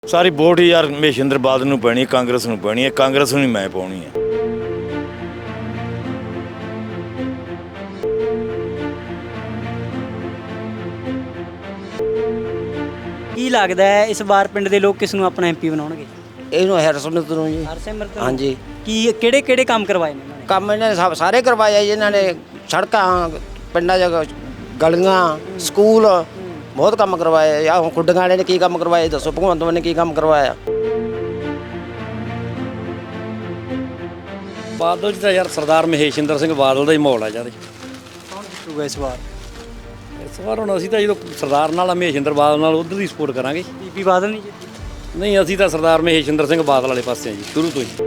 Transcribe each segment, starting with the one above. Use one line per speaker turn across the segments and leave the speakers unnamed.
ਸਾਰੀ vote ਯਾਰ ਮਹੇਸ਼ਿੰਦਰ ਬਾਦਲ ਨੂੰ ਪੈਣੀ ਹੈ, ਕਾਂਗਰਸ ਨੂੰ ਪੈਣੀ ਹੈ। ਕਾਂਗਰਸ ਨੂੰ ਹੀ ਮੈਂ ਪਾਉਣੀ ਹੈ।
ਕੀ ਲੱਗਦਾ ਹੈ ਇਸ ਵਾਰ ਪਿੰਡ ਦੇ ਲੋਕ ਕਿਸ ਨੂੰ ਆਪਣਾ ਐਮਪੀ ਬਣਾਉਣਗੇ?
ਇਹਨੂੰ ਹਰਸਿਮਰਤ ਨੂੰ ਜੀ।
ਹਰਸਿਮਰਤ ਨੂੰ?
ਹਾਂਜੀ।
ਕੀ ਕਿਹੜੇ ਕੰਮ ਕਰਵਾਏ ਨੇ ਇਹਨਾਂ ਨੇ?
ਕੰਮ ਇਹਨਾਂ ਨੇ ਸਾਰੇ ਕਰਵਾਏ ਜੀ। ਇਹਨਾਂ ਨੇ ਸੜਕਾਂ, ਪਿੰਡਾਂ 'ਚ ਗਲੀਆਂ, ਸਕੂਲ ਬਹੁਤ ਕੰਮ ਕਰਵਾਏ ਆ। ਹੁਣ ਖੁੱਡੀਆਂ ਵਾਲੇ ਨੇ ਕੀ ਕੰਮ ਕਰਵਾਏ ਦੱਸੋ? ਭਗਵੰਤ ਮਾਨ ਨੇ ਕੀ ਕੰਮ ਕਰਵਾਇਆ?
ਬਾਦਲ ਜੀ ਤਾਂ ਯਾਰ ਸਰਦਾਰ ਮਹੇਸ਼ਿੰਦਰ ਸਿੰਘ ਬਾਦਲ ਦਾ ਹੀ ਮਾਹੌਲ ਆ ਯਾਰ।
ਕੌਣ ਜਿੱਤੂਗਾ ਇਸ ਵਾਰ?
ਇਸ ਵਾਰ ਹੁਣ ਅਸੀਂ ਤਾਂ ਜਦੋਂ ਸਰਦਾਰ ਨਾਲ ਮਹੇਸ਼ਿੰਦਰ ਬਾਦਲ ਨਾਲ ਉਧਰ ਦੀ ਸਪੋਰਟ ਕਰਾਂਗੇ।
ਬੀਬੀ ਬਾਦਲ ਨਹੀਂ ਜਿੱਤੀ?
ਨਹੀਂ, ਅਸੀਂ ਤਾਂ ਸਰਦਾਰ ਮਹੇਸ਼ਿੰਦਰ ਸਿੰਘ ਬਾਦਲ ਵਾਲੇ ਪਾਸੇ ਆ ਜੀ ਸ਼ੁਰੂ ਤੋਂ ਹੀ।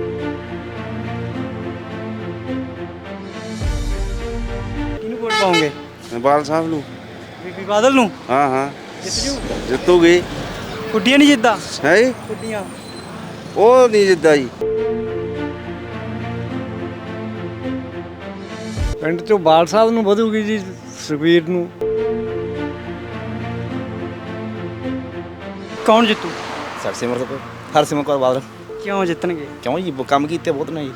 ਕਿਹਨੂੰ ਵੋਟ ਪਾਉਂਗੇ?
ਬਾਲ ਸਾਹਿਬ ਨੂੰ।
ਬੀਬੀ ਬਾਦਲ ਨੂੰ?
ਹਾਂ ਹਾਂ
ਜਿੱਤ ਜੂ?
ਜਿੱਤੂਗੀ।
ਕੁੱਡੀਆਂ ਨਹੀਂ ਜਿੱਦਾਂ?
ਹੈ
ਕੁੱਡੀਆਂ
ਉਹ ਨਹੀਂ ਜਿੱਦਾਂ ਜੀ।
ਪਿੰਡ ਚੋਂ ਬਾਲ ਸਾਹਿਬ ਨੂੰ ਵਧੂਗੀ ਜੀ, ਸੁਖਬੀਰ ਨੂੰ।
ਕੌਣ ਜਿੱਤੂ?
ਹਰਸਿਮਰਤ ਕੌਰ ਬਾਦਲ।
ਕਿਉਂ ਜਿੱਤਣਗੇ?
ਕਿਉਂ ਜੀ, ਕੰਮ ਕੀਤੇ ਬਹੁਤ ਨੇ ਜੀ।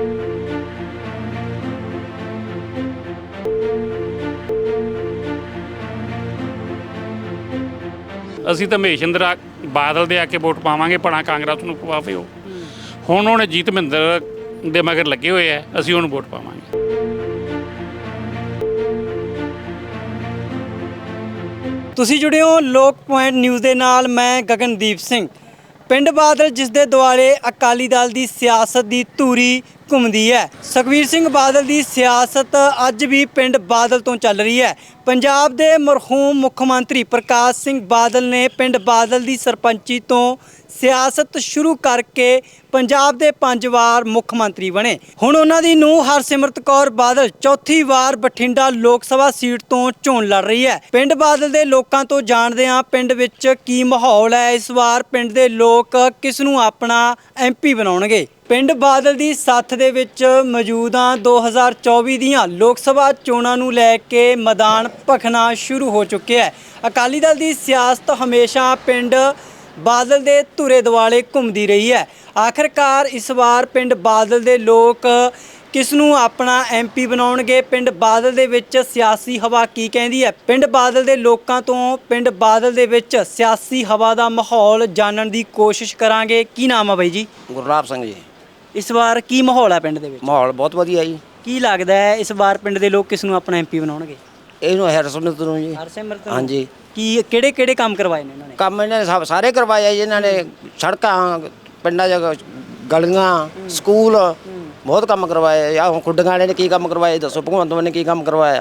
ਅਸੀਂ ਤਾਂ ਮਹੇਸ਼ਿੰਦਰ ਬਾਦਲ ਦੇ ਆ ਕੇ ਵੋਟ ਪਾਵਾਂਗੇ, ਭਣਾ ਕਾਂਗਰਸ ਨੂੰ ਪਵਾਵੇ। ਉਹ ਹੁਣ ਉਹਨੇ ਜੀਤ ਮਹਿੰਦਰ ਦੇ ਮਗਰ ਲੱਗੇ ਹੋਏ ਆ, ਅਸੀਂ ਉਹਨੂੰ ਵੋਟ ਪਾਵਾਂਗੇ।
ਤੁਸੀਂ ਜੁੜੇ ਹੋ ਲੋਕ ਪੁਆਇੰਟ ਨਿਊਜ਼ ਦੇ ਨਾਲ। ਮੈਂ ਗਗਨਦੀਪ ਸਿੰਘ। ਪਿੰਡ ਬਾਦਲ ਜਿਸ ਦੇ ਦੁਆਲੇ ਅਕਾਲੀ ਦਲ ਦੀ ਸਿਆਸਤ ਦੀ ਧੂਰੀ ਘੁੰਮਦੀ ਹੈ। ਸੁਖਬੀਰ ਸਿੰਘ ਬਾਦਲ ਦੀ ਸਿਆਸਤ ਅੱਜ ਵੀ ਪਿੰਡ ਬਾਦਲ ਤੋਂ ਚੱਲ ਰਹੀ ਹੈ। ਪੰਜਾਬ ਦੇ ਮਰਹੂਮ ਮੁੱਖ ਮੰਤਰੀ ਪ੍ਰਕਾਸ਼ ਸਿੰਘ ਬਾਦਲ ਨੇ ਪਿੰਡ ਬਾਦਲ ਦੀ ਸਰਪੰਚੀ ਤੋਂ ਸਿਆਸਤ ਸ਼ੁਰੂ ਕਰਕੇ ਪੰਜਾਬ ਦੇ 5 ਵਾਰ ਮੁੱਖ ਮੰਤਰੀ ਬਣੇ। ਹੁਣ ਉਹਨਾਂ ਦੀ ਨੂੰਹ ਹਰਸਿਮਰਤ ਕੌਰ ਬਾਦਲ ਚੌਥੀ ਵਾਰ ਬਠਿੰਡਾ ਲੋਕ ਸਭਾ ਸੀਟ ਤੋਂ ਚੋਣ ਲੜ ਰਹੀ ਹੈ। ਪਿੰਡ ਬਾਦਲ ਦੇ ਲੋਕਾਂ ਤੋਂ ਜਾਣਦੇ ਹਾਂ ਪਿੰਡ ਵਿੱਚ ਕੀ ਮਾਹੌਲ ਹੈ। ਇਸ ਵਾਰ ਪਿੰਡ ਦੇ ਲੋਕ ਕਿਸ ਨੂੰ ਆਪਣਾ ਐਮਪੀ ਬਣਾਉਣਗੇ? ਪਿੰਡ ਬਾਦਲ ਦੀ ਸੱਥ ਦੇ ਵਿੱਚ ਮੌਜੂਦ ਹਾਂ। 2024 ਦੀਆਂ ਲੋਕ ਸਭਾ ਚੋਣਾਂ ਨੂੰ ਲੈ ਕੇ ਮੈਦਾਨ ਭਖਣਾ ਸ਼ੁਰੂ ਹੋ ਚੁੱਕਿਆ ਹੈ। ਅਕਾਲੀ ਦਲ ਦੀ ਸਿਆਸਤ ਹਮੇਸ਼ਾ ਪਿੰਡ ਬਾਦਲ ਦੇ ਧੁਰੇ ਦੁਆਲੇ ਘੁੰਮਦੀ ਰਹੀ ਹੈ। ਆਖਰਕਾਰ ਇਸ ਵਾਰ ਪਿੰਡ ਬਾਦਲ ਦੇ ਲੋਕ ਕਿਸ ਨੂੰ ਆਪਣਾ ਐਮਪੀ ਬਣਾਉਣਗੇ? ਪਿੰਡ ਬਾਦਲ ਦੇ ਵਿੱਚ ਸਿਆਸੀ ਹਵਾ ਕੀ ਕਹਿੰਦੀ ਹੈ? ਪਿੰਡ ਬਾਦਲ ਦੇ ਲੋਕਾਂ ਤੋਂ ਪਿੰਡ ਬਾਦਲ ਦੇ ਵਿੱਚ ਸਿਆਸੀ ਹਵਾ ਦਾ ਮਾਹੌਲ ਜਾਣਨ ਦੀ ਕੋਸ਼ਿਸ਼ ਕਰਾਂਗੇ। ਕੀ ਨਾਮ ਆ ਬਾਈ ਜੀ?
ਗੁਰਲਾਬ ਸਿੰਘ ਜੀ।
ਇਸ ਵਾਰ ਕੀ ਮਾਹੌਲ ਹੈ ਪਿੰਡ ਦੇ ਵਿੱਚ?
ਮਾਹੌਲ ਬਹੁਤ ਵਧੀਆ ਜੀ।
ਕੀ ਲੱਗਦਾ ਹੈ ਇਸ ਵਾਰ ਪਿੰਡ ਦੇ ਲੋਕ ਕਿਸ ਨੂੰ ਆਪਣਾ ਐਮਪੀ ਬਣਾਉਣਗੇ?
ਇਹਨੂੰ ਹਰਸਿਮਰਤ ਨੂੰ ਜੀ।
ਹਰਸਿਮਰਤ?
ਹਾਂਜੀ।
ਕੀ ਕਿਹੜੇ ਕੰਮ ਕਰਵਾਏ ਨੇ ਇਹਨਾਂ ਨੇ?
ਕੰਮ ਇਹਨਾਂ ਨੇ ਸਾਰੇ ਕਰਵਾਏ ਜੀ। ਇਹਨਾਂ ਨੇ ਸੜਕਾਂ, ਪਿੰਡਾਂ 'ਚ ਗਲੀਆਂ, ਸਕੂਲ ਬਹੁਤ ਕੰਮ ਕਰਵਾਏ ਆ। ਹੁਣ ਖੁੱਡੀਆਂ ਵਾਲੇ ਨੇ ਕੀ ਕੰਮ ਕਰਵਾਏ ਦੱਸੋ? ਭਗਵੰਤ ਮਾਨ ਨੇ ਕੀ ਕੰਮ ਕਰਵਾਇਆ?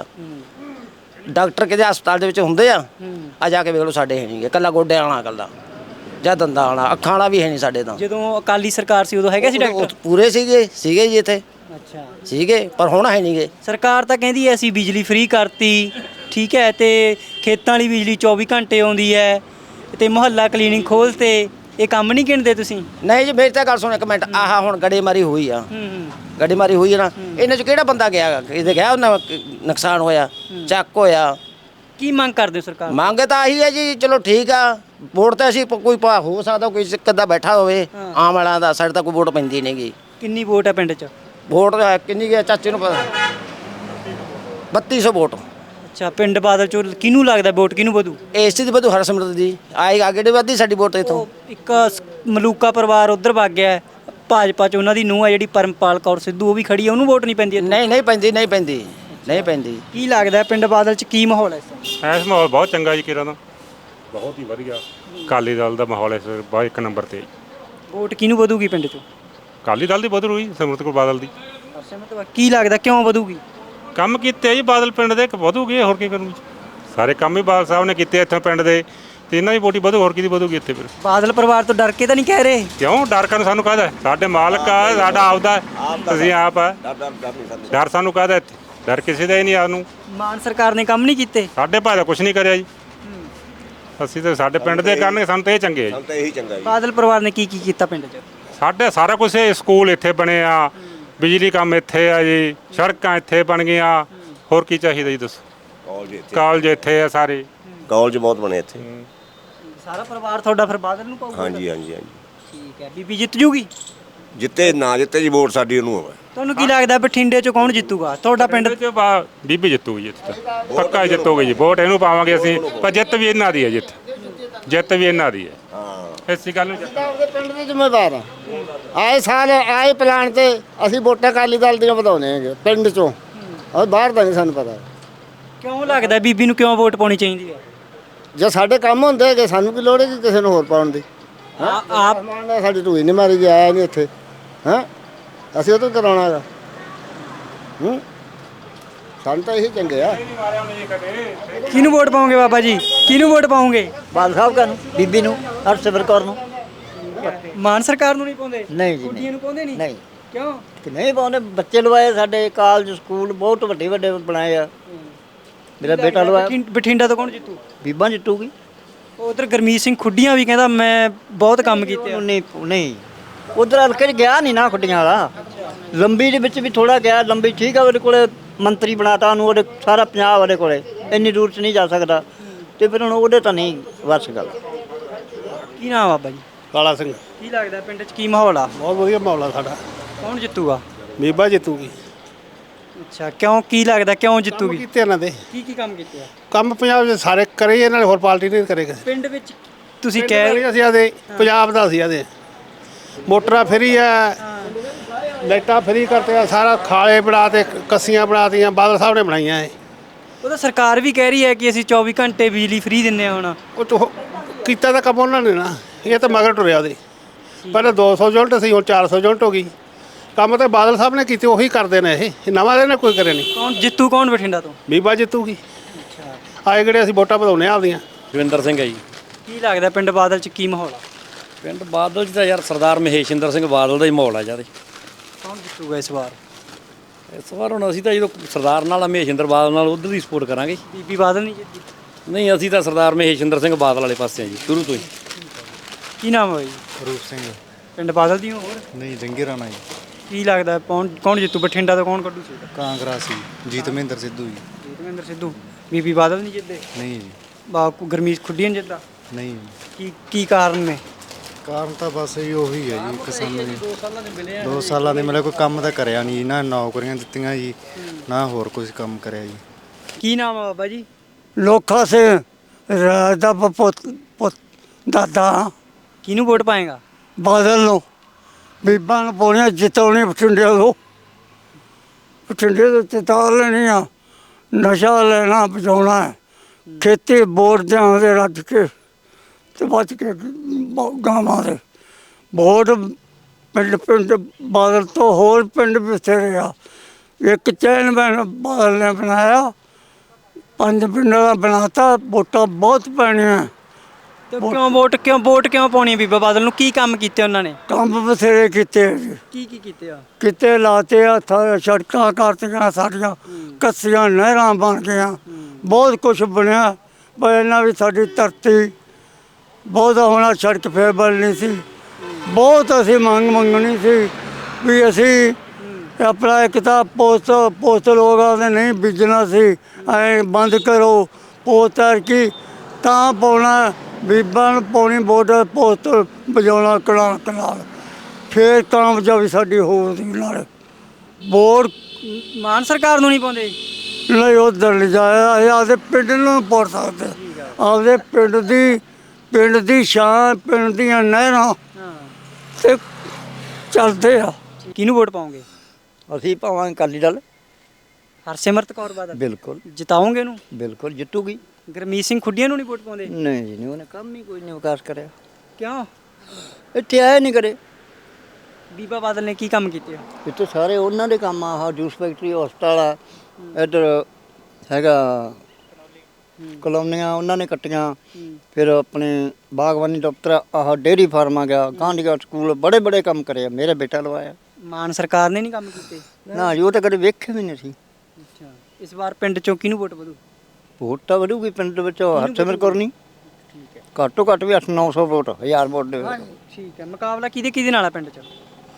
ਡਾਕਟਰ ਕਿਤੇ ਹਸਪਤਾਲ ਦੇ ਵਿੱਚ ਹੁੰਦੇ ਆ? ਆ ਜਾ ਕੇ ਵੇਖ ਲਓ, ਸਾਡੇ ਹੈ ਨਹੀਂਗੇ। ਇਕੱਲਾ ਗੋਡਿਆਂ ਵਾਲਾ, ਇਕੱਲਾ ਜਾਂ ਦੰਦਾਂ ਵਾਲਾ, ਅੱਖਾਂ ਵਾਲਾ ਵੀ ਹੈ ਨਹੀਂ ਸਾਡੇ ਤਾਂ।
ਜਦੋਂ ਅਕਾਲੀ ਸਰਕਾਰ ਸੀ ਉਦੋਂ ਹੈਗੇ ਸੀ ਡਾਕਟਰ?
ਪੂਰੇ ਸੀਗੇ ਜੀ ਇੱਥੇ।
ਅੱਛਾ।
ਸੀਗੇ, ਪਰ ਹੁਣ ਹੈ ਨਹੀਂਗੇ।
ਸਰਕਾਰ ਤਾਂ ਕਹਿੰਦੀ ਐ ਅਸੀਂ ਬਿਜਲੀ ਫ੍ਰੀ ਕਰਤੀ, ਠੀਕ ਹੈ, ਤੇ ਖੇਤਾਂ ਵਾਲੀ ਬਿਜਲੀ 24 ਘੰਟੇ ਆਉਂਦੀ ਹੈ, ਤੇ ਮੁਹੱਲਾ ਕਲੀਨਿਕ ਖੋਲ੍ਹਤੇ। ਇਹ ਕੰਮ ਨਹੀਂ ਗਿਣਦੇ ਤੁਸੀਂ?
ਨਹੀਂ ਜੀ, ਮੇਰੀ ਤਾਂ ਗੱਲ ਸੁਣ ਇੱਕ ਮਿੰਟ। ਆਹ ਹੁਣ ਗੜੇਮਾਰੀ ਹੋਈ ਆ, ਗੜੇਮਾਰੀ ਹੋਈ ਹੈ ਨਾ, ਇਹਨਾਂ 'ਚ ਕਿਹੜਾ ਬੰਦਾ ਗਿਆ? ਇਹਦੇ ਗਿਆ ਉਹਨਾਂ ਨੁਕਸਾਨ ਹੋਇਆ, ਚੱਕ ਹੋਇਆ।
ਕੀ ਮੰਗ ਕਰਦੇ ਹੋ ਸਰਕਾਰ?
ਮੰਗ ਤਾਂ ਆਹੀ ਹੈ ਜੀ। ਚਲੋ ਠੀਕ ਆ, ਵੋਟ ਤਾਂ ਅਸੀਂ ਕੋਈ ਹੋ ਸਕਦਾ ਕੋਈ ਕਿੱਦਾਂ ਬੈਠਾ ਹੋਵੇ ਆਮ ਵਾਲਿਆਂ ਦਾ। ਸਾਡੇ ਤਾਂ ਕੋਈ ਵੋਟ ਪੈਂਦੀ ਨਹੀਂ ਗੀ।
ਕਿੰਨੀ ਵੋਟ ਹੈ ਪਿੰਡ 'ਚ?
ਵੋਟ ਕਿੰਨੀ ਗਿਆ ਚਾਚੇ ਨੂੰ ਪਤਾ? 3200 ਵੋਟ।
ਅੱਛਾ। ਪਿੰਡ ਬਾਦਲ ਚੋਂ ਕਿਹਨੂੰ ਲੱਗਦਾ ਵੋਟ ਕਿਹਨੂੰ ਵਧੂ?
ਇਸ ਦੀ ਵਧੂ ਹਰਸਿਮਰਤ ਦੀ। ਆਏ ਅੱਗੇ ਦੇ ਵੱਧਦੀ ਸਾਡੀ ਵੋਟ ਇੱਥੋਂ।
ਇੱਕ ਮਲੂਕਾ ਪਰਿਵਾਰ ਉਧਰ ਵਗ ਗਿਆ, ਭਾਜਪਾ 'ਚ ਉਹਨਾਂ ਦੀ ਨੂੰਹ ਆ ਜਿਹੜੀ ਪਰਮਪਾਲ ਕੌਰ ਸਿੱਧੂ, ਉਹ ਵੀ ਖੜੀ ਆ, ਉਹਨੂੰ ਵੋਟ ਨਹੀਂ ਪੈਂਦੀ?
ਨਹੀਂ ਪੈਂਦੀ, ਨਹੀਂ ਪੈਂਦੀ, ਨਹੀਂ ਪੈਂਦੀ।
ਕੀ ਲੱਗਦਾ ਪਿੰਡ ਬਾਦਲ 'ਚ ਕੀ ਮਾਹੌਲ ਹੈ
ਇਸ ਮਾਹੌਲ ਬਹੁਤ ਚੰਗਾ ਜੀ। ਕਿਰਾਂ ਦਾ ਬਹੁਤ ਹੀ ਵਧੀਆ ਅਕਾਲੀ ਦਲ ਦਾ ਮਾਹੌਲ ਇਸ ਵੇਲੇ ਬਹੁਤ ਇੱਕ ਨੰਬਰ 'ਤੇ।
ਵੋਟ ਕਿਹਨੂੰ ਵਧੂਗੀ ਪਿੰਡ 'ਚੋਂ?
ਅਕਾਲੀ ਦਲ ਦੀ ਵਧੂ ਰਹੀ, ਸਿਮਰਤ ਕੌਰ ਬਾਦਲ ਦੀ।
ਕੀ ਲੱਗਦਾ ਕਿਉਂ ਵਧੂਗੀ?
ਕੰਮ ਕੀਤੇ ਜੀ ਬਾਦਲ ਪਿੰਡ ਦੇ, ਵਧੂਗੀ ਹੋਰ ਕੀ ਕਰੂਗੀ? ਸਾਰੇ ਕੰਮ ਹੀ ਬਾਦਲ ਸਾਹਿਬ ਨੇ ਕੀਤੇ ਇੱਥੇ ਪਿੰਡ ਦੇ, ਤੇ ਇਹਨਾਂ ਦੀ ਵੋਟੀ ਵਧੂ, ਹੋਰ ਕਿਹਦੀ ਵਧੂਗੀ ਇੱਥੇ? ਫਿਰ
ਬਾਦਲ ਪਰਿਵਾਰ ਤੋਂ ਡਰ ਕੇ ਤਾਂ ਨਹੀਂ ਕਹਿ ਰਹੇ?
ਕਿਉਂ ਡਰ ਕਾਹਨੂੰ? ਸਾਨੂੰ ਕਾਹਦਾ? ਸਾਡੇ ਮਾਲਕ ਆ, ਸਾਡਾ ਆਪਦਾ, ਤੁਸੀਂ ਆਪ ਆ। ਡਰ ਸਾਨੂੰ ਕਾਹਦਾ? ਇੱਥੇ ਡਰ ਕਿਸੇ ਦਾ ਹੀ ਨਹੀਂ। ਸਾਨੂੰ
ਮਾਨ ਸਰਕਾਰ ਨੇ ਕੰਮ ਨਹੀਂ ਕੀਤੇ?
ਸਾਡੇ ਭਾਅ ਦਾ ਕੁਛ ਨਹੀਂ ਕਰਿਆ ਜੀ। ਅਸੀਂ ਤਾਂ ਸਾਡੇ ਪਿੰਡ ਦੇ ਕਰਨਗੇ, ਸਾਨੂੰ ਤਾਂ ਇਹ ਚੰਗੇ ਆ ਜੀ।
ਬਾਦਲ ਪਰਿਵਾਰ ਨੇ ਕੀ ਕੀਤਾ ਪਿੰਡ 'ਚ?
ਸਾਡੇ ਸਾਰਾ ਕੁਝ ਸਕੂਲ ਇੱਥੇ ਬਣੇ ਆ, ਬਿਜਲੀ ਕੰਮ ਇੱਥੇ ਆ ਜੀ, ਸੜਕਾਂ ਇੱਥੇ ਬਣ ਗਈਆਂ, ਹੋਰ ਕੀ ਚਾਹੀਦਾ ਜੀ ਦੱਸੋ? ਕਾਲਜ ਇੱਥੇ ਆ ਸਾਰੇ।
ਕਾਲਜ ਬਹੁਤ ਬਣੇ ਇੱਥੇ।
ਸਾਰਾ ਪਰਿਵਾਰ ਤੁਹਾਡਾ ਫਿਰ ਬਾਦਲ ਨੂੰ ਪਾਊਗਾ?
ਹਾਂਜੀ ਹਾਂਜੀ ਹਾਂਜੀ
ਠੀਕ ਹੈ। ਬੀਬੀ ਜਿੱਤ ਜੂਗੀ?
ਜਿੱਤੇ ਨਾ ਜਿੱਤੇ ਜੀ ਵੋਟ ਸਾਡੀ ਉਹਨੂੰ ਹੋਵੇ।
ਤੁਹਾਨੂੰ ਕੀ ਲੱਗਦਾ ਬਠਿੰਡੇ 'ਚ ਕੌਣ ਜਿੱਤੂਗਾ ਤੁਹਾਡਾ ਪਿੰਡ?
ਬੀਬੀ ਜਿੱਤੂਗੀ ਜਿੱਤ ਪੱਕਾ ਹੀ ਜਿੱਤੂਗੀ ਜੀ। ਵੋਟ ਇਹਨੂੰ ਪਾਵਾਂਗੇ ਅਸੀਂ, ਪਰ ਜਿੱਤ ਵੀ ਇਹਨਾਂ ਦੀ ਹੈ। ਜਿੱਤ ਵੀ ਇਹਨਾਂ ਦੀ ਹੈ। ਹਾਂ ਇਸੇ ਗੱਲ ਨੂੰ
ਉਹਦੇ ਪਿੰਡ ਦੇ ਜ਼ਿੰਮੇਵਾਰ ਆ। ਆਏ ਸਾਲ ਆਏ ਪਲਾਨ ਤੇ ਅਸੀਂ ਵੋਟਾਂ ਅਕਾਲੀ ਦਲ ਦੀਆਂ ਵਧਾਉਣੇ ਹੈਗੇ ਪਿੰਡ ਚੋਂ, ਔਰ ਬਾਹਰ ਦਾ ਨਹੀਂ ਸਾਨੂੰ ਪਤਾ।
ਕਿਉਂ ਲੱਗਦਾ ਬੀਬੀ ਨੂੰ ਕਿਉਂ ਵੋਟ ਪਾਉਣੀ ਚਾਹੀਦੀ ਹੈ?
ਜੇ ਸਾਡੇ ਕੰਮ ਹੁੰਦੇ ਹੈਗੇ ਸਾਨੂੰ ਕੀ ਲੋੜ ਹੈ ਕਿ ਕਿਸੇ ਨੂੰ ਹੋਰ ਪਾਉਣ ਦੀ?
ਆਪ
ਸਾਡੀ ਢੂਈ ਨਹੀਂ ਮਾਰੀ ਗਿਆ, ਆਇਆ ਨਹੀਂ ਇੱਥੇ। ਹਾਂ ਅਸੀਂ ਉਹ ਤੋਂ ਕਰਾਉਣਾ ਹੈਗਾ। ਸਾਨੂੰ ਤਾਂ ਇਹੀ ਚੰਗੇ ਆ।
ਕਿਹਨੂੰ ਵੋਟ ਪਾਉਂਗੇ ਬਾਬਾ ਜੀ? ਕਿਹਨੂੰ ਵੋਟ ਪਾਉਂਗੇ?
ਬਾਦਲ ਸਾਹਿਬ ਕਾ ਨੂੰ, ਬੀਬੀ ਨੂੰ, ਹਰਸਿਮਰਤ ਕੌਰ ਨੂੰ।
ਮਾਨ ਸਰਕਾਰ ਨੂੰ ਨਹੀਂ ਪਾਉਂਦੇ?
ਨਹੀਂ ਜੀ
ਕੁੜੀਆਂ ਨੂੰ ਪਾਉਂਦੇ ਨਹੀਂ?
ਨਹੀਂ
ਕਿਉਂ?
ਕਿ ਨਹੀਂ ਪਾਉਂਦੇ। ਬੱਚੇ ਲਵਾਏ ਸਾਡੇ, ਕਾਲਜ ਸਕੂਲ ਬਹੁਤ ਵੱਡੇ ਵੱਡੇ ਬਣਾਏ ਆ। ਮੇਰਾ ਬੇਟਾ ਲਵਾਇਆ।
ਬਠਿੰਡਾ ਤੋਂ ਕੌਣ ਜਿੱਤੂ?
ਬੀਬਾ ਜਿੱਤੂਗੀ।
ਉਧਰ ਗੁਰਮੀਤ ਸਿੰਘ ਖੁੱਡੀਆਂ ਵੀ ਕਹਿੰਦਾ ਮੈਂ ਬਹੁਤ ਕੰਮ ਕੀਤੇ ਆ।
ਨਹੀਂ ਉਧਰ ਹਲਕੇ 'ਚ ਗਿਆ ਨਹੀਂ ਨਾ ਖੁੱਡੀਆਂ ਵਾਲਾ। ਲੰਬੀ ਦੇ ਵਿੱਚ ਵੀ ਥੋੜਾ ਗਿਆ। ਲੰਬੀ ਠੀਕ ਆ, ਉਹਦੇ ਕੋਲੇ ਮੰਤਰੀ ਬਣਾਤਾ ਉਹਨੂੰ, ਉਹਦੇ ਸਾਰਾ ਪੰਜਾਬ ਉਹਦੇ ਕੋਲੇ, ਇੰਨੀ ਦੂਰ 'ਚ ਨਹੀਂ ਜਾ ਸਕਦਾ। ਤੇ ਫਿਰ ਹੁਣ ਉਹਦੇ ਤਾਂ ਨਹੀਂ ਵੱਸ ਗੱਲ।
ਕੀ ਨਾਮ ਬਾਬਾ ਜੀ?
ਕਾਲਾ ਸਿੰਘ।
ਕੀ ਲੱਗਦਾ ਪਿੰਡ 'ਚ ਕੀ ਮਾਹੌਲ ਆ?
ਬਹੁਤ ਵਧੀਆ ਮਾਹੌਲ ਆ ਸਾਡਾ।
ਕੌਣ ਜਿੱਤੂਗਾ?
ਬੀਬਾ ਜਿੱਤੂਗੀ।
ਅੱਛਾ, ਕਿਉਂ? ਕੀ ਲੱਗਦਾ ਕਿਉਂ ਜਿੱਤੂਗੀ?
ਕੀਤੇ ਇਹਨਾਂ ਦੇ
ਕੀ ਕੰਮ ਕੀਤੇ ਆ?
ਕੰਮ ਪੰਜਾਬ ਦੇ ਸਾਰੇ ਕਰੇ ਇਹਨਾਂ ਨੇ, ਹੋਰ ਪਾਰਟੀ ਨਹੀਂ ਕਰੇਗਾ।
ਪਿੰਡ ਵਿੱਚ ਤੁਸੀਂ ਕਹਿ
ਅਸੀਂ ਆਦੇ ਪੰਜਾਬ ਦਾ ਸੀ ਆਦੇ ਮੋਟਰਾਂ ਫਰੀ ਆ, ਲਾਈਟਾਂ ਫਰੀ ਕਰਤੇ ਆ, ਸਾਰਾ ਖਾਲੇ ਬਣਾ ਤੇ ਕੱਸੀਆਂ ਬਣਾਤੀਆਂ ਬਾਦਲ ਸਾਹਿਬ ਨੇ ਬਣਾਈਆਂ ਇਹ।
ਉਹ ਤਾਂ ਸਰਕਾਰ ਵੀ ਕਹਿ ਰਹੀ ਹੈ ਕਿ ਅਸੀਂ 24 ਘੰਟੇ ਬਿਜਲੀ ਫ੍ਰੀ ਦਿੰਨੇ ਆ ਹੁਣ।
ਉਹ ਤੋਂ ਕੀਤਾ ਤਾਂ ਕੰਮ ਉਹਨਾਂ ਨੇ ਨਾ, ਇਹ ਤਾਂ ਮਗਰ ਟੁਰਿਆ ਉਹਦੇ। ਪਹਿਲਾਂ 200 ਯੂਨਿਟ ਸੀ, ਹੁਣ 400 ਯੂਨਿਟ ਹੋ ਗਈ। ਕੰਮ ਤਾਂ ਬਾਦਲ ਸਾਹਿਬ ਨੇ ਕੀਤੇ, ਉਹੀ ਕਰਦੇ ਨੇ। ਇਹ ਨਵਾਂ ਦੇ ਨੇ ਕੋਈ ਕਰੇ ਨਹੀਂ।
ਕੌਣ ਜਿੱਤੂ? ਕੌਣ ਬਠਿੰਡਾ ਤੋਂ?
ਬੀਬਾ ਜਿੱਤੂਗੀ। ਆਏ ਕਿਹੜੇ ਅਸੀਂ ਵੋਟਾਂ ਵਧਾਉਣੇ ਆਪਦੀਆਂ।
ਜਵਿੰਦਰ ਸਿੰਘ ਹੈ ਜੀ।
ਕੀ ਲੱਗਦਾ ਪਿੰਡ ਬਾਦਲ 'ਚ ਕੀ ਮਾਹੌਲ ਆ?
ਪਿੰਡ ਬਾਦਲ 'ਚ ਤਾਂ ਯਾਰ ਸਰਦਾਰ ਮਹੇਸ਼ਿੰਦਰ ਸਿੰਘ ਬਾਦਲ ਦਾ ਹੀ ਮਾਹੌਲ ਆ ਜਿਆਦਾ।
ਕੌਣ ਜਿੱਤੂਗਾ ਇਸ ਵਾਰ?
ਇਸ ਵਾਰ ਹੁਣ ਅਸੀਂ ਤਾਂ ਜਦੋਂ ਸਰਦਾਰ ਨਾਲ ਮਹੇਸ਼ਿੰਦਰ ਬਾਦਲ ਨਾਲ ਉਧਰ ਦੀ ਸਪੋਰਟ ਕਰਾਂਗੇ।
ਬੀਬੀ ਬਾਦਲ ਨਹੀਂ ਜਿੱਤੀ?
ਨਹੀਂ ਅਸੀਂ ਤਾਂ ਸਰਦਾਰ ਮਹੇਸ਼ਿੰਦਰ ਸਿੰਘ ਬਾਦਲ ਵਾਲੇ ਪਾਸੇ ਆ ਜੀ ਸ਼ੁਰੂ ਤੋਂ ਹੀ।
ਕੀ ਨਾਮ ਹੈ ਜੀ?
ਰੂਪ ਸਿੰਘ।
ਪਿੰਡ ਬਾਦਲ ਦੀ ਹੋ? ਹੋਰ
ਨਹੀਂ ਜੰਗੀ ਰਾਣਾ ਜੀ।
ਕੀ ਲੱਗਦਾ ਕੌਣ ਜਿੱਤੂ? ਬਠਿੰਡਾ ਤੋਂ ਕੌਣ ਕੱਢੂ ਸੀਟ?
ਕਾਂਗਰਸੀ ਜੀਤਮਿੰਦਰ ਸਿੱਧੂ ਜੀ।
ਜੀਤਮਿੰਦਰ ਸਿੱਧੂ। ਬੀਬੀ ਬਾਦਲ ਨਹੀਂ ਜਿੱਤਦੇ?
ਨਹੀਂ ਜੀ।
ਗੁਰਮੀਤ ਖੁੱਡੀਆਂ ਨਹੀਂ ਜਿੱਤਦਾ?
ਨਹੀਂ।
ਕੀ ਕਾਰਨ ਨੇ?
ਕਾਰਨ ਤਾਂ ਬਸ ਇਹ ਉਹੀ ਹੈ ਜੀ, ਕਿਸਾਨਾਂ ਨੇ 2 ਸਾਲਾਂ ਦੇ ਮਿਲੇ ਕੋਈ ਕੰਮ ਤਾਂ ਕਰਿਆ ਨਹੀਂ, ਨਾ ਨੌਕਰੀਆਂ ਦਿੱਤੀਆਂ ਜੀ, ਨਾ ਹੋਰ ਕੁਝ ਕੰਮ ਕਰਿਆ ਜੀ।
ਕੀ ਨਾਮ ਆ ਬਾਬਾ ਜੀ?
ਲੋਕਾਂ ਸੇ ਦਾ ਪੁੱਤ ਦਾਦਾ।
ਕਿਹਨੂੰ ਵੋਟ ਪਾਏਗਾ?
ਬਾਦਲ ਨੂੰ। ਬੀਬਾਂ ਨੂੰ ਪਾਉਣੀਆਂ, ਜਿਤਾਉਣੀ ਬਠਿੰਡੇ ਤੋਂ। ਬਠਿੰਡੇ ਤੋਂ ਜਿਤਾ ਲੈਣੀ ਆ। ਨਸ਼ਾ ਲੈਣਾ ਬਚਾਉਣਾ ਹੈ। ਖੇਤੀ ਵੋਟ ਦਿਆਂਗੇ ਰੱਜ ਕੇ ਤੇ ਬਚ ਕੇ ਗਾਵਾਂ ਦੇ ਵੋਟ। ਪਿੰਡ ਬਾਦਲ ਤੋਂ ਹੋਰ ਪਿੰਡ ਬਥੇਰੇ ਆ। ਇੱਕ ਚੈਨਮੈਨ ਬਾਦਲ ਨੇ ਬਣਾਇਆ, 5 ਪਿੰਡਾਂ ਦਾ ਬਣਾਤਾ। ਵੋਟਾਂ ਬਹੁਤ ਪੈਣੀਆਂ।
ਤੇ ਵੋਟ ਕਿਉਂ ਪਾਉਣੀ ਹੈ ਬੀਬਾ ਬਾਦਲ ਨੂੰ? ਕੀ ਕੰਮ ਕੀਤੇ ਉਹਨਾਂ ਨੇ?
ਕੰਮ ਬਥੇਰੇ ਕੀਤੇ ਆ ਜੀ।
ਕੀ ਕੀਤੇ ਆ?
ਕਿਤੇ ਲਾਤੇ ਆ, ਸੜਕਾਂ ਕਰਤੀਆਂ ਸਾਡੀਆਂ, ਕੱਸੀਆਂ ਨਹਿਰਾਂ ਬਣ ਗਈਆਂ, ਬਹੁਤ ਕੁਝ ਬਣਿਆ। ਪਰ ਇਹਨਾਂ ਵੀ ਸਾਡੀ ਧਰਤੀ ਬਹੁਤ ਹੋਣਾ, ਸੜਕ ਫੇਰ ਬਣਨੀ ਸੀ। ਬਹੁਤ ਅਸੀਂ ਮੰਗਣੀ ਸੀ ਵੀ ਅਸੀਂ ਆਪਣਾ ਇੱਕ ਤਾਂ ਪੋਸਟ ਲੋਕਾਂ ਦੇ ਨਹੀਂ ਬੀਜਣਾ ਸੀ। ਐ ਬੰਦ ਕਰੋ ਪੋਸਟ ਕੀ ਤਾਂ ਪਾਉਣਾ। ਬੀਬਾਂ ਨੂੰ ਪਾਉਣੀ ਵੋਟ, ਪੋਸਟ ਵਜਾਉਣਾ ਕਨਾਲ ਫੇਰ ਕਾਮਯਾਬੀ ਸਾਡੀ ਹੋਊਗੀ। ਨਾਲ ਵੋਟ
ਮਾਨ ਸਰਕਾਰ ਨੂੰ ਨਹੀਂ ਪਾਉਂਦੇ?
ਨਹੀਂ ਉੱਧਰ ਨਹੀਂ ਜਾਇਆ। ਇਹ ਆਪਦੇ ਪਿੰਡ ਨੂੰ ਪਾੜ ਸਕਦੇ, ਆਪਦੇ ਪਿੰਡ ਦੀ ਸ਼ਾਨ, ਪਿੰਡ ਦੀਆਂ ਨਹਿਰਾਂ ਤੇ ਚੱਲਦੇ ਆ।
ਕਿਹਨੂੰ ਵੋਟ ਪਾਉਂਗੇ?
ਅਸੀਂ ਪਾਵਾਂਗੇ ਅਕਾਲੀ ਦਲ।
ਹਰਸਿਮਰਤ ਕੌਰ ਬਾਦਲ?
ਬਿਲਕੁਲ।
ਜਿਤਾਉਂਗੇ ਉਹਨੂੰ?
ਬਿਲਕੁਲ ਜਿੱਤੂਗੀ।
ਗੁਰਮੀਤ ਸਿੰਘ ਖੁੱਡੀਆਂ ਨੂੰ ਨਹੀਂ ਵੋਟ ਪਾਉਂਦੇ?
ਨਹੀਂ ਜੀ ਨਹੀਂ, ਉਹਨੇ ਕੰਮ ਹੀ ਕੋਈ ਨਹੀਂ ਵਿਕਾਸ ਕਰਿਆ।
ਕਿਉਂ?
ਇੱਥੇ ਆਇਆ ਨਹੀਂ ਕਰੇ।
ਬੀਬਾ ਬਾਦਲ ਨੇ ਕੀ ਕੰਮ ਕੀਤੇ?
ਇੱਥੇ ਸਾਰੇ ਉਹਨਾਂ ਦੇ ਕੰਮ ਆ। ਆਹ ਜੂਸ ਫੈਕਟਰੀ, ਹਸਪਤਾਲ ਆ, ਇੱਧਰ ਹੈਗਾ ਕਲੋਨੀਆਂ ਉਹਨਾਂ ਨੇ ਕੱਟੀਆਂ। ਫਿਰ ਆਪਣੇ ਬਾਗਬਾਨੀ ਦਫ਼ਤਰ, ਆਹ ਡੇਅਰੀ ਫਾਰਮ ਆ ਗਿਆ, ਗਾਂਧੀਗੜ੍ਹ ਸਕੂਲ, ਬੜੇ ਬੜੇ ਕੰਮ ਕਰੇ। ਮੇਰਾ ਬੇਟਾ ਲਵਾਇਆ।
ਮਾਨ ਸਰਕਾਰ ਨੇ ਨਹੀਂ ਕੰਮ ਕੀਤੇ?
ਨਾ ਜੀ, ਉਹ ਤਾਂ ਕਦੇ ਵੇਖੇ ਵੀ ਨਹੀਂ ਸੀ।
ਅੱਛਾ, ਇਸ ਵਾਰ ਪਿੰਡ ਚੋਂ ਕਿਹਨੂੰ ਵੋਟ ਵਧੂ?
ਵੋਟ ਤਾਂ ਵਧੂਗੀ ਪਿੰਡ ਦੇ ਵਿੱਚ। ਹਰਸਿਮਰਤ ਕੌਰ ਨਹੀਂ, ਘੱਟੋ ਘੱਟ ਵੀ 800-900 ਵੋਟ, 1000 ਵੋਟ ਦੇ।
ਠੀਕ ਹੈ। ਮੁਕਾਬਲਾ ਕਿਹਦੇ ਨਾਲ ਆ ਪਿੰਡ 'ਚ?